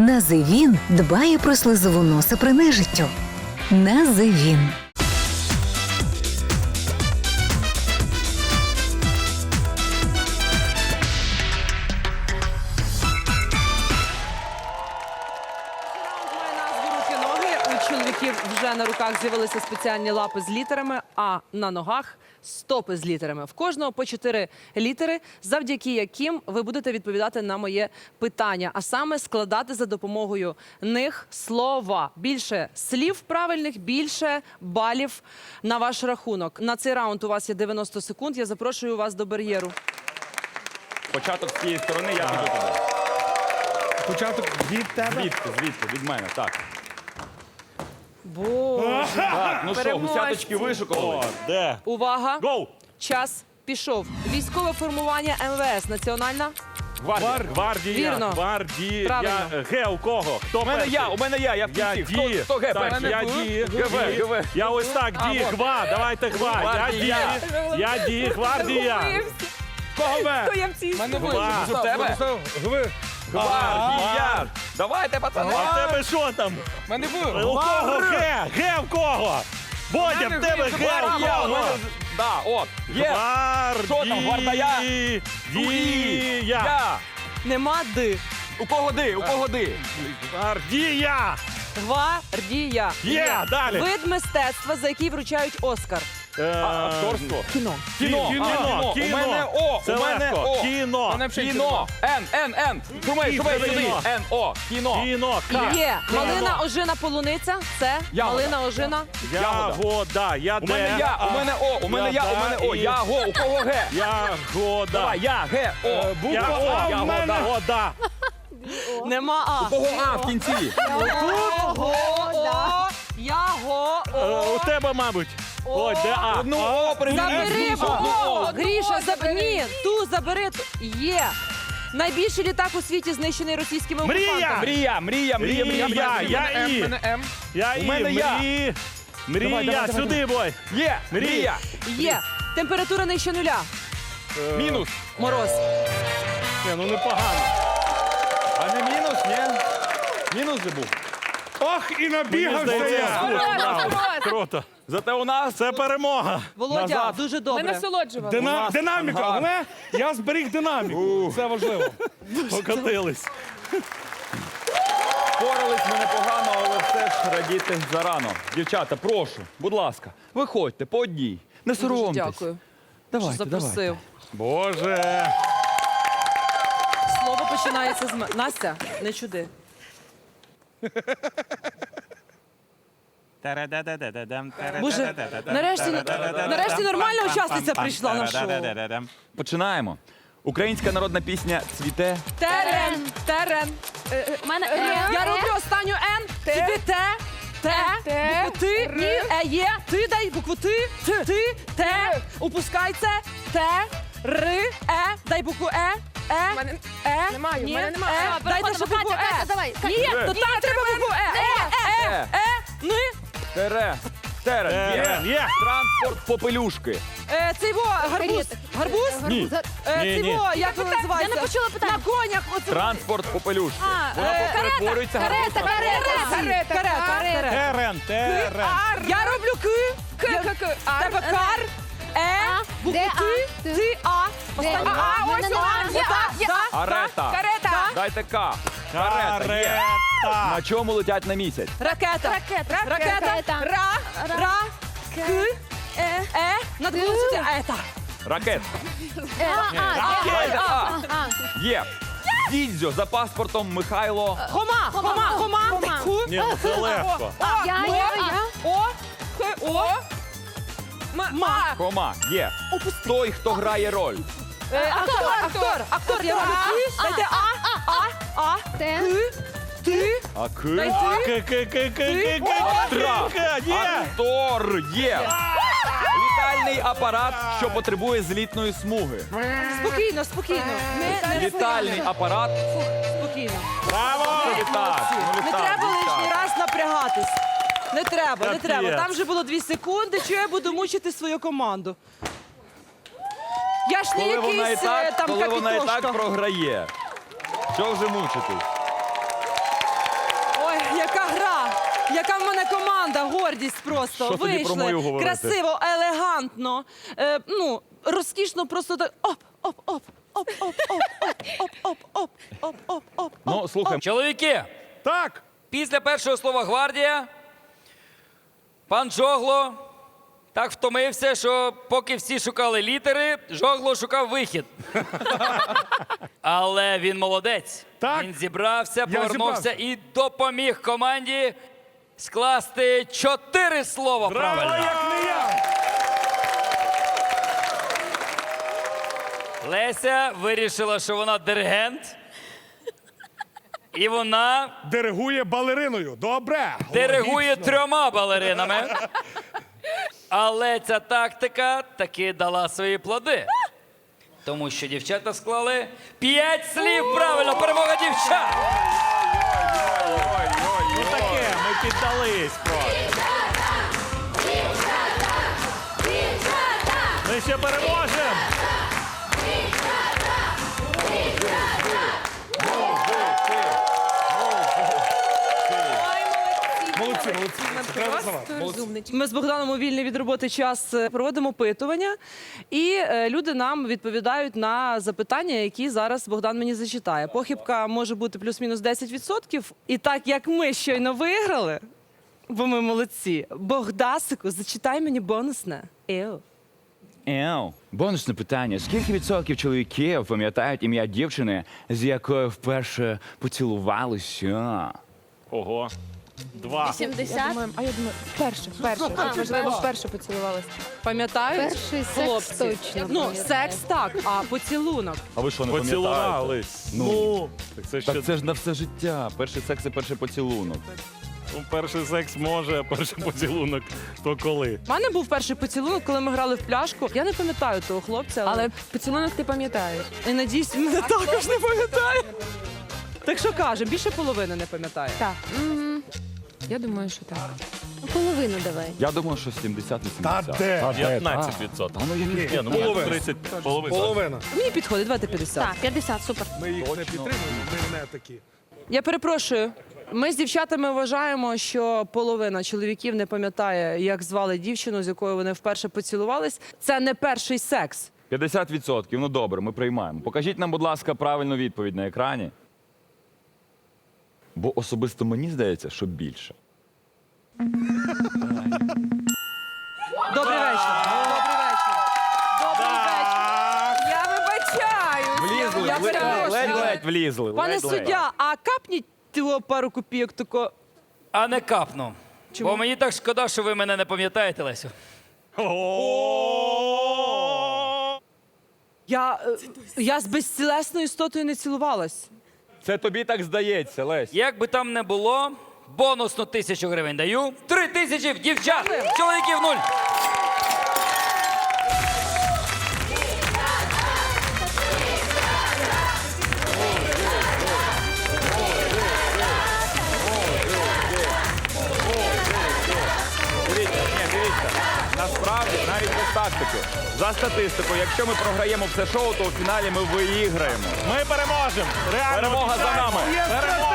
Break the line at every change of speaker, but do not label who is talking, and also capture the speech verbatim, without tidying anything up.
Називін дбає про слизову носа при нежиттю. Називін.
У чоловіків вже на руках з'явилися спеціальні лапи з літерами, а на ногах – стопи з літерами. В кожного по чотири літери, завдяки яким ви будете відповідати на моє питання, а саме складати за допомогою них слова. Більше слів правильних, більше балів на ваш рахунок. На цей раунд у вас є дев'яносто секунд. Я запрошую вас до бар'єру.
Початок з цієї сторони, я піду туди.
Початок від тебе?
Звідти, звідти, від мене, так.
Боже.
Так, ну що,
Переможці.
гусяточки вишукали?
Де?
Увага!
Гоу!
Час пішов. Військове формування ем ве ес. Національна?
Гвардія.
Гвардія.
Вірно.
Гвардія.
Правильно.
Ге, у кого? Хто
У мене
перший?
я, у мене я, я в
Я
кінці. Хто,
ді.
хто ге
Так,
перший?
я ді.
ГВ,
Ді.
ГВ.
Я ось так,
А,
ді,
вот.
гва, давайте гва. Я
Гвардія.
ді. Я ді, гвардія.
Кого ме?
Хто я в цій
Мене
Гва. У тебе?
Гви.
Гвардія. Давайте, пацани.
А в тебе що там?
Мене
У
був.
кого ге? Ге в кого? Бодя, в тебе ге
Гвардія.
в
у мене-
кого?
Да, от. Є.
Гвардія.
Що там, гвардія?
Дія.
Я.
Нема ди.
У кого ди? У кого ди?
Гвардія.
Гвардія.
Є, далі.
Вид мистецтва, за який вручають Оскар.
Е,
Акторство.
Кіно.
Кіно.
Кіно.
А,
Кіно.
У мене О.
Це
У мене
легко.
О.
Кіно.
Мене взагалі
Кіно. Н, Н, Н. Шумей, шумей
Кіно.
сюди. Н, О. Кіно.
Кіно. К.
Є.
Кіно.
Малина, ожина, полуниця. Це
Ягода.
малина, ожина.
Ягода. Я
У мене я, у мене О, у мене я, у мене О. Я, Го, у кого Г?
Ягода.
Давай, я, Г, О.
Я
Буква
О,
А
в
в
мене.
мене.
Ягода.
Нема А.
У кого А в кінці?
Ого, о, яго,
Е, У
о.
тебе, мабуть. Ой, де А?
Одну О привіт.
Забери О. Гріша, забери. Ні, ту забери. ту. Є. Найбільший літак у світі знищений російськими
Мрія!
окупантами.
Мрія, мрія, мрія, мрія.
Мрія,
мрія.
я і.
Мене М.
Я
У
і.
мене я.
Мрі.
Давай, давай,
Мрія,
давай,
сюди, бой.
Є, мрія.
Є. Температура нижче нуля.
Мінус.
Мороз.
Ні, ну непогано.
А не мінус, ні? Мінус же був.
Ох, і
Мені
набігався
здається,
я.
слухай, браво. Круто.
Зате у нас
Це перемога.
Володя,
Назад.
дуже добре.
Дина-
нас
Динаміка.
ангар.
Головне, я зберіг динаміку. Це важливо.
Покотились.
Впорались ми непогано, але все ж радіти зарано. Дівчата, прошу, будь ласка, виходьте по одній. Не
Дуже
соромтесь.
дякую, що
Давайте, давайте.
запросив.
Боже.
Слово починається з мене. Настя, не чуди. Боже, нарешті, нарешті нормальна учасниця прийшла на шоу.
Починаємо. Українська народна пісня «Цвіте».
Терен, терен.
Мене
Я роблю останню Н, тобі Т, Т, букву Ти, ні, Е, є, ти дай букву Ти, Ти, Т, упускай це, Т, Р, Е, дай букву Е, Е, Е,
Немає, в
ні,
мене немає.
Е,
А,
дайте
переходимо,
ще букву
Катя,
Е.
Катя, давай, Катя.
Ні, то там треба букву Е, Е, Е, Е, Ни,
Тере. Терен.
Терен,
Є.
є.
Транспорт попелюшки.
Е, цей во, гарбуз, гарбуз,
Ні.
Е,
Ні,
цей
ні.
во, як він називається?
Я не почула питання.
На конях, оце.
Транспорт попелюшки.
А,
Вона
е,
перетворюється
карета,
гарбуз.
карета,
Карета, карета, карета.
Терен, терен.
Я роблю К, К, К, К, тебе кар, Е, букву
Де
Ти,
А?
Ти, А. Останнє
А?
А, ось
Мене
вона,
нема.
є А,
Є
так,
Карета.
Карета.
Дайте К. Карета. Є.
Карета.
На чому летять на місяць?
Ракета.
Ракета.
Ракета.
Ракета.
Ра, ра, К,
Е.
Е, над голосом Ета.
Ракет.
Е, А, А,
Дайте А.
А.
Є. Дідзьо за паспортом Михайло.
Хома, хома, хома,
Хома.
Ху,
Ні, ну це легко.
О,
Я,
Мо,
я, я.
О, Х, О, М, Ма.
Кома. Є. Той, хто грає роль.
Е, Актор, актор, актор, я роблю Ки, дайте А, А, А,
Те.
К, Ти,
А К.
дай Ти.
К, К, К, К, К,
Актра.
К, К, є.
Актор. Є. Літальний апарат, що потребує злітної смуги.
Спокійно, спокійно. Не, не
Літальний апарат.
спокійно.
Браво.
Літак. Ну,
Не
літак,
треба лишній
літак.
раз напрягатись. Не треба, не
Капець.
треба. Там вже було дві секунди, що я буду мучити свою команду. Я ж не
Коли вона і
якийсь е,
так,
там
коли вона і
капітошка.
так програє. Що вже мучитись?
Яка в мене команда, гордість просто.
Що тоді про мою
Вийшли
говорити?
красиво, елегантно, е, ну, розкішно, просто так оп, оп, оп, оп, оп, оп, оп, оп, оп, оп, оп, оп.
Ну, слухай,
Чоловіки,
Так.
після першого слова гвардія пан Жогло так втомився, що поки всі шукали літери, Жогло шукав вихід. Але він молодець.
Так.
Він зібрався,
Я
повернувся
зібрався.
і допоміг команді скласти чотири слова
Браво,
правильно.
як не я.
Леся вирішила, що вона диригент. І вона
Диригує балериною. Добре.
диригує
Логічно.
трьома балеринами. Але ця тактика таки дала свої плоди. Тому що дівчата склали п'ять слів правильно. Перемога дівчат!
Ну таке, ми піддались просто. Ми ще переможемо.
Молодці, молодці. Це треба визнавати. Молодці.
Ми з Богданом у вільний від роботи час е, проводимо опитування, і е, люди нам відповідають на запитання, які зараз Богдан мені зачитає. Похибка може бути плюс-мінус десять відсотків. І так як ми щойно виграли, бо ми молодці, Богдасику, зачитай мені бонусне. Еу.
Еу. Бонусне питання. Скільки відсотків чоловіків пам'ятають ім'я дівчини, з якою вперше поцілувалися?
Ого. Два.
сімдесят.
А я думаю, вперше, вперше.
А,
Можливо, вперше поцілувалась.
Пам'ятають?
Перший секс
хлопці?
точно
Ну,
пам'ятаю.
секс так, а поцілунок.
А ви що, не пам'ятаєте?
Поцілувались.
Ну.
Ну, так це ще
Так це ж на все життя. Перший секс і перший поцілунок.
ну, перший секс може, а перший поцілунок то коли.
У мене був перший поцілунок, коли ми грали в пляшку. Я не пам'ятаю того хлопця, але,
Але поцілунок ти пам'ятаєш.
і надіюсь, він мене також не пам'ятає. Так що каже, більше половини не пам'ятає.
Так. Я думаю, що так.
Половину давай.
Я думаю, що сімдесят
Та
вісімдесят.
де?
п'ятнадцять відсотків.
А ну я не
Ні, ну
Половина.
може тридцять, половина.
Половина.
Мені підходить, давайте п'ятдесят.
Так, п'ятдесят, супер.
Ми їх не підтримуємо, ми не такі.
Я перепрошую. Ми з дівчатами вважаємо, що половина чоловіків не пам'ятає, як звали дівчину, з якою вони вперше поцілувались. Це не перший секс.
п'ятдесят відсотків. Ну добре, ми приймаємо. Покажіть нам, будь ласка, правильну відповідь на екрані. Бо особисто мені здається, що більше.
Добрий вечір. Добрий вечір. Добрий вечір. Я вибачаюсь.
Влізли,
Я перепрошую.
ледь-ледь влізли.
Пане
ледь-ледь.
суддя, а капніть того пару копійок тако.
А не капну.
Чому?
Бо мені так шкода, що ви мене не пам'ятаєте, Лесю.
Я, е, я з безцілесною істотою не цілувалась.
Це тобі так здається, Лесь.
Як би там не було, бонусну тисячу гривень даю. Три тисячі в дівчат, чоловіків нуль.
Дивіться, ні, дивіться. Насправді, навіть без тактики. За статистикою, якщо ми програємо все шоу, то у фіналі ми виіграємо.
Ми переможемо. Реально
Перемога за
обіцяємо.
нами.
Перемога.